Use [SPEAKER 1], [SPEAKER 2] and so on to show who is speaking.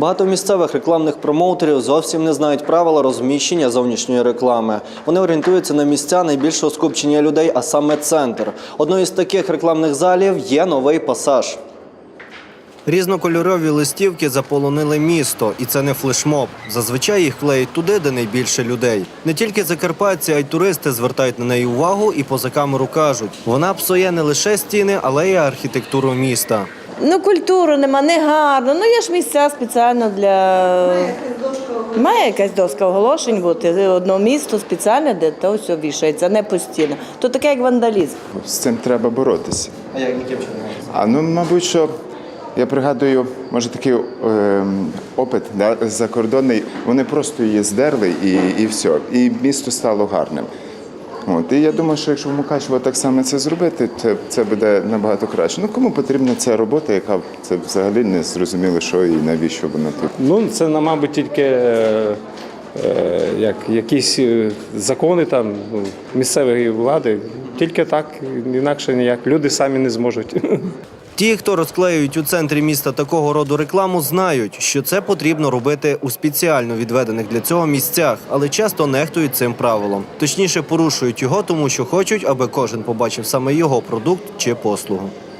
[SPEAKER 1] Багато місцевих рекламних промоутерів зовсім не знають правила розміщення зовнішньої реклами. Вони орієнтуються на місця найбільшого скупчення людей, а саме центр. Одною з таких рекламних залів є новий «Пасаж». Різнокольорові листівки заполонили місто, і це не флешмоб. Зазвичай їх клеють туди, де найбільше людей. Не тільки закарпатці, а й туристи звертають на неї увагу і поза камеру кажуть, вона псує не лише стіни, але й архітектуру міста.
[SPEAKER 2] Культуру нема, не гарно. Є ж місця спеціально для... Має якась доска оголошень бути. Одне місто спеціальне, де то все вішається, не постійно. То таке, як вандалізм.
[SPEAKER 3] З цим треба боротися.
[SPEAKER 1] А яким чином?
[SPEAKER 3] Мабуть, що я пригадую, може такий опит закордонний, вони просто її здерли і все. І місто стало гарним. І я думаю, що якщо в Мукачево так само це зробити, це буде набагато краще. Кому потрібна ця робота, яка це взагалі не зрозуміло, що і навіщо вона тут?
[SPEAKER 4] Це, мабуть, тільки якісь закони там місцевої влади. Тільки так, інакше ніяк. Люди самі не зможуть.
[SPEAKER 1] Ті, хто розклеюють у центрі міста такого роду рекламу, знають, що це потрібно робити у спеціально відведених для цього місцях, але часто нехтують цим правилом. Точніше, порушують його, тому що хочуть, аби кожен побачив саме його продукт чи послугу.